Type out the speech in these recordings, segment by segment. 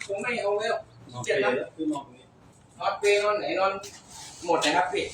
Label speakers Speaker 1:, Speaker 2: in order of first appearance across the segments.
Speaker 1: ผมไม่เอาแล้วเจ็บนะนอนเปรย์นอนไหนนอนหมดนะครับพี่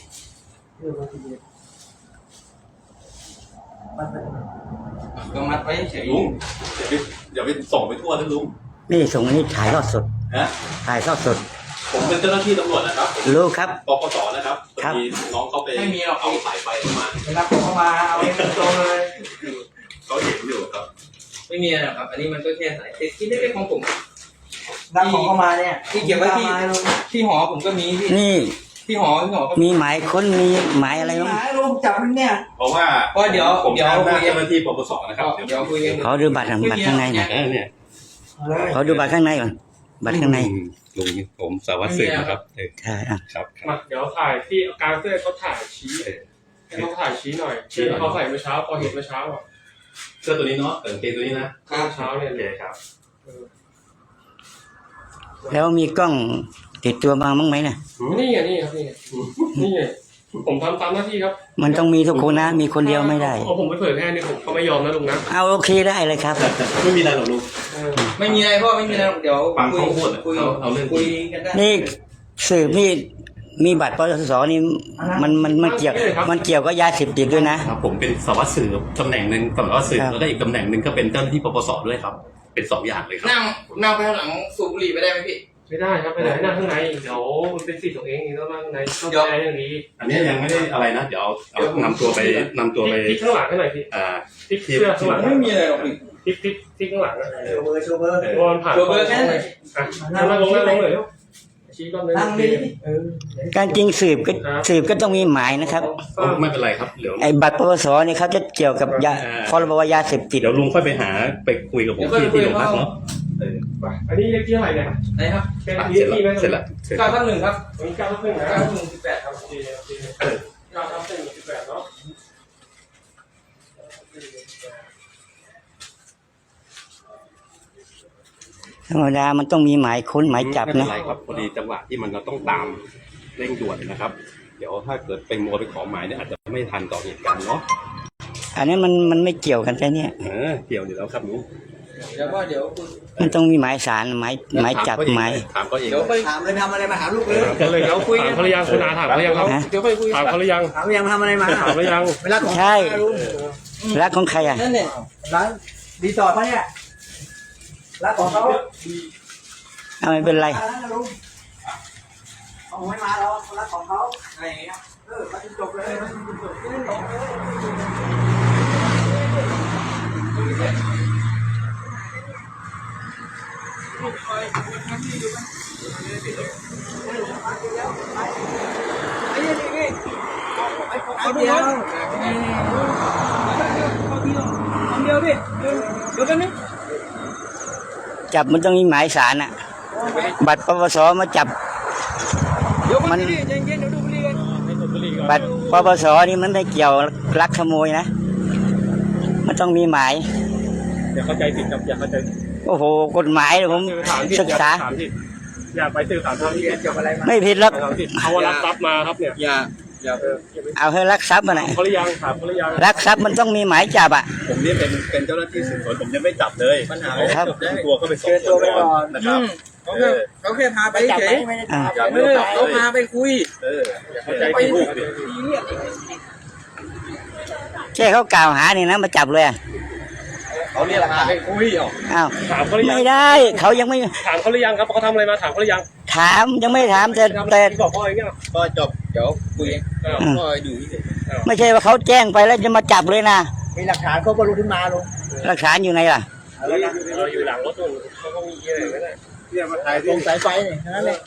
Speaker 1: ก็มัดไปเฉย
Speaker 2: ลุงอย่าไปส่งไปทั่วนะลุง
Speaker 3: นี่ส่งนี่ถ่ายทอดสด
Speaker 2: ฮะ
Speaker 3: ถ่ายทอดสด
Speaker 2: ผมเป็นเจ้าหน้าที่ตำรวจนะครับ
Speaker 3: รู้ครับ
Speaker 2: ปปสนะครับมีน้องเขาไปเอาสายไฟมา
Speaker 1: เวลาผมเข้ามาเอาเองตรงเลย
Speaker 2: เขาเห็นอยู่ครับ
Speaker 1: ไม่มีอะไรครับอันนี้มันก็แค่สายที่เล็กๆของผม
Speaker 4: รับของเข้ามาเนี่ย
Speaker 1: ที่เก็บไว้ที่หอผมก็มีพี่
Speaker 3: นี่
Speaker 1: ที่หอก็
Speaker 3: มีหมายค้นมีหมายอะไรบ้าง
Speaker 4: หมายลงจับมันเนี่ย
Speaker 2: เพราะว่า
Speaker 1: เดี๋ยว
Speaker 2: ผมทำหน้าเจ้าหน้าที่ปปสนะครับ
Speaker 1: เดี๋ยวคุยกัน
Speaker 3: ขอดูบัตรข้างในหน่อย
Speaker 2: เนี่ย
Speaker 3: ขอดูบัตรข้างในก่อนบัตรข้างใน
Speaker 2: ลุงผมสารวัตรสืบนะครับ
Speaker 3: ใช่อ่ะ
Speaker 2: ครับ
Speaker 5: มาเดี๋ยวถ่ายที่กลางเสื้อเขาถ่ายชี้ให้เขาถ่ายชี้หน่อยที่เขาใส่เมื่อเช้าพอเห็นเมื่อเช้าอ่ะ
Speaker 2: เสื้อตัวนี้เนาะกางเกงตัวนี้นะ
Speaker 5: เมื่อเช้าเนี่ย
Speaker 2: โอเคครับ
Speaker 3: แล้วมีกล้องติดตัวมาบ้างไหมเนี่ย
Speaker 5: นี่ไงนี่ครับนี่ไงผมทำตามหน้าที่ครับ
Speaker 3: มันต้องมีทุกคนนะมีคนเดียวไม่ได้
Speaker 5: เอาผมไปเผยแพร่นี่ผมเขาไม่ยอมนะลุงนะ
Speaker 3: เอาโอเคได้เลยครับ
Speaker 2: ไม่มีอะไรหรอกลุง
Speaker 1: ไม่มีอะไรพ่อไม่มีอะไรเดี๋ยว
Speaker 2: ฟังเขาพูดเอาเรื่อง
Speaker 1: คุยกันได้
Speaker 3: นี่สืบนี่มีบัตรปสนี่มันเกี่ยวกับยาเสพติดด้วยนะครับ
Speaker 2: ผมเป็นสารวัตรสืบตำแหน่งหนึ่งสารวัตรสืบแล้วก็อีกตำแหน่งหนึ่งก็เป็นเจ้าหน้าที่ปปสด้วยครับเป็น2อย่างเลยครับ
Speaker 1: นั่งไปข้างหลังสูบบุหรี่ไปได้ไหมพี่
Speaker 5: ไม่ได้ครับไปไหนนั่งข้างในเดี๋ยวมันเป็นสิทธิ์ของเองนี่ต้องนั่งข้างในต้องแก้อย่างนี้
Speaker 2: อันนี้ยังไม่ได้อะไรนะเดี๋ยวเอานำตัวไป
Speaker 5: พลิกข้างหลังให้หน่อยพี่พลิกเสื้อข้างหลัง
Speaker 1: ไม่มีอะไรหรอกพี่
Speaker 5: พลิกข้างหลัง
Speaker 4: โชว์เบอร์
Speaker 5: วอนผ่าน
Speaker 1: ตัวเบอร์แค่ไหน
Speaker 5: นั่งลงเลยชี้ก้อนเลย
Speaker 4: นั่งนี่
Speaker 3: การจริงสืบก็ต้องมีหมายนะครับ
Speaker 2: ไม่เป็นไรครับเดี๋ยว
Speaker 3: ไอ้บัตรปปสนี่เขาจะเกี่ยวกับยาพรบยาเสพติด
Speaker 2: เดี๋ยวลุงค่อยไปหาไปคุยกับผมที่โรงพักเนาะ
Speaker 5: อันนี้เลขที่เท่าไหร่เนี่ย
Speaker 1: ไหนครับ
Speaker 5: เป็นเลขที่ไหม
Speaker 2: เสร็จแล้ว
Speaker 1: 9ทับ1ครับ
Speaker 5: มี9/1นะ
Speaker 1: 9/1 18ครับ
Speaker 5: โอเค9/1 18เนาะ
Speaker 3: ธรรมดามันต้องมีหมายค้นหมายจับ
Speaker 2: ไม่เป็
Speaker 3: นะ
Speaker 2: นไรครับพอดีจังหวะที่มันเราต้องตามเร่งด่วนนะครับ เดี๋ยวถ้าเกิดไปมัวไปขอหมายเนี่ยอาจจะไม่ทันต่อเหตุการณ์เนาะ
Speaker 3: อันนี้มันไม่เกี่ยวกันแต่เนี่ย
Speaker 2: เกี่ยวอยู่แล้วครับลุง
Speaker 1: เดี๋ยวพ่อเดี๋ยว
Speaker 3: มันต้องมีหมายสารหมายจับหมาย
Speaker 2: ถามเขาเอง
Speaker 1: เดี๋ยวไป
Speaker 4: ถามเลยทำอะไรมาหาลูกเลย
Speaker 5: กันเลยแล้วคุยถามเขาหรือยังคุณอาถามเขาหรือยังครับ
Speaker 1: เดี๋ยวไปคุย
Speaker 5: ถามเขาหรือยัง
Speaker 4: ถามยังทำอะไรมา
Speaker 5: ถามหรือยัง
Speaker 4: เวลาของ
Speaker 3: ใช่
Speaker 4: ลุง
Speaker 3: รักของใครอ่ะ
Speaker 1: นั่นเนี่ย
Speaker 4: ร้านรีสอร์ทเขาเนี่ยรักของเขา
Speaker 3: เอาไม่เป็นไร
Speaker 4: ลุงเขาไม่มาแล้วรักของเขาอะไรอย่างเงี้ยมาจบเลยมาจบเอาเดียวดิเดี๋ยวกันนี่
Speaker 3: จับมันต้องมีหมายสารอ่ะ บัตรปปสมาจับ
Speaker 4: เดี๋ยวมันเย็นๆเดี๋ยวดูบุหรี่กัน
Speaker 3: บัตรปปสนี่มันไม่เกี่ยวลักขโมยนะ มันต้องมีหมาย
Speaker 5: อย่าเข้าใจผิดครับอย่าเข้าใจ
Speaker 3: โอ้โหกฎหมายผมศึกษา
Speaker 5: อย่าไปสื่อสารทางที่
Speaker 4: เกี่ยวอะไรมา
Speaker 3: ไม่ผิดหรอก
Speaker 5: เขารับทรัพย์มาครับเนี่ย
Speaker 1: อย่า
Speaker 3: เอาให้รักทรัพย์มาหน่อย
Speaker 5: เขาหรือยังถามเขาหรือยัง
Speaker 3: รักทรัพย์มันต้องมีหมายจับอ่ะ
Speaker 2: ผมนี่เป็นเจ้าหน้าที่สืบสวนผมยังไม่จับเลยปัญหา
Speaker 3: ครับ
Speaker 2: ตัวเข้าไปสอบสวนก่อนนะครับ
Speaker 1: เขาแค่พาไปเฉย
Speaker 3: อ่า
Speaker 1: เขาพาไปคุย
Speaker 2: เข้าใจผิดลูกดิ
Speaker 3: แค่เขากล่าวหานี่นะมาจับเลยอะ
Speaker 1: เขาเนี่ยแหละพาไปคุยเหรอ
Speaker 3: อ้าว
Speaker 5: ถามเขาหรือยัง
Speaker 3: ไม่ได้เขายังไม่
Speaker 5: ถามเขาหรือยังครับเขาทำอะไรมาถามเขาหรือยัง
Speaker 3: ถามยังไม่ถามแต่
Speaker 5: บอกพ่ออย่างเงี้ย
Speaker 1: ก็จบเดี๋ยวคุยเองพ่ออยู่ที่
Speaker 3: ไม่ใช่ว่าเขาแจ้งไปแล้วจะมาจับเลยนะ
Speaker 4: มีหลักฐานเขาก็รู้ขึ้นมาลุง
Speaker 3: หลักฐานอยู่ไหนล่ะ
Speaker 5: เราอยู่หลังรถนู่นเขาก็มีอะไรไม่ได้
Speaker 2: เนี่ยมาถ่าย
Speaker 4: ตรงสายไฟนี่นั่นแหละ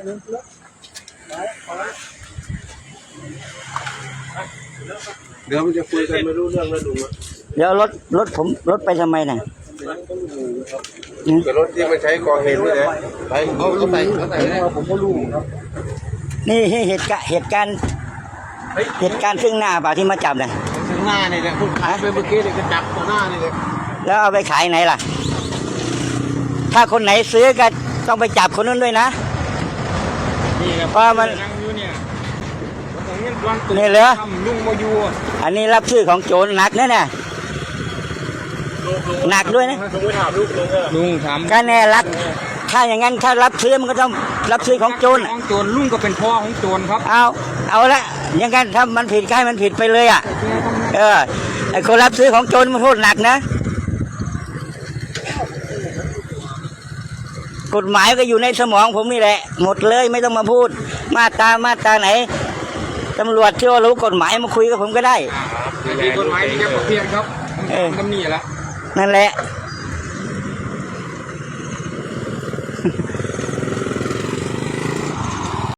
Speaker 2: เดี๋ยวมันจะคุยกันไม่รู้เรื่องแล้วลุง
Speaker 3: เดี๋ยวรถไปทำไมน่ะ
Speaker 2: แต่รถที่มาใช้ก่อเหตุนี่แหละไปเขาใส่ผมก็รู้ครับ
Speaker 3: นี่เหตุการณ์ซึ่งหน้าเปล่าที่มาจับเนี่ย
Speaker 4: ถึงหน้านี่แหละคุณขายไปเมื่อกี้เลยก็จับต่อหน้านี่เลย
Speaker 3: แล้วเอาไปขายไหนล่ะ ถ้าคนไหนซื้อก็ต้องไปจับคนนั้นด้วยนะ
Speaker 4: นี่ครับ
Speaker 3: เพราะมัน
Speaker 4: นั่งอยู่เนี่ยผมยังวาง
Speaker 3: นี่เหรอ
Speaker 4: ทำลุงมาอยู่
Speaker 3: อันนี้รับชื่อของโจรหนักนะเนี่ยหนักด้วยนะ
Speaker 5: ลุงไปถามลูกลุง
Speaker 4: ลุงถาม
Speaker 3: ก็แน่รักทถ้าอย่างนั้นถ้ารับซื้อมันก็ต้องรับซื้อของโจร
Speaker 4: ของโจรลุงก็เป็นพ่อของโจรครับ
Speaker 3: เอาละอย่างนั้นถ้ามันผิดก็ให้มันผิดไปเลยอ่ะไอ้คนรับซื้อของโจรมันโทษหนักนะกฎหมายก็อยู่ในสมองผมนี่แหละหมดเลยไม่ต้องมาพูดมาตราไหนตำรวจที่ว่ารู้กฎหมายมาคุยกับผมก็ได้
Speaker 4: มีกฎหมายมีแค่เพียงครับตำหนิแล้ว
Speaker 3: นั่นแหละ
Speaker 4: ค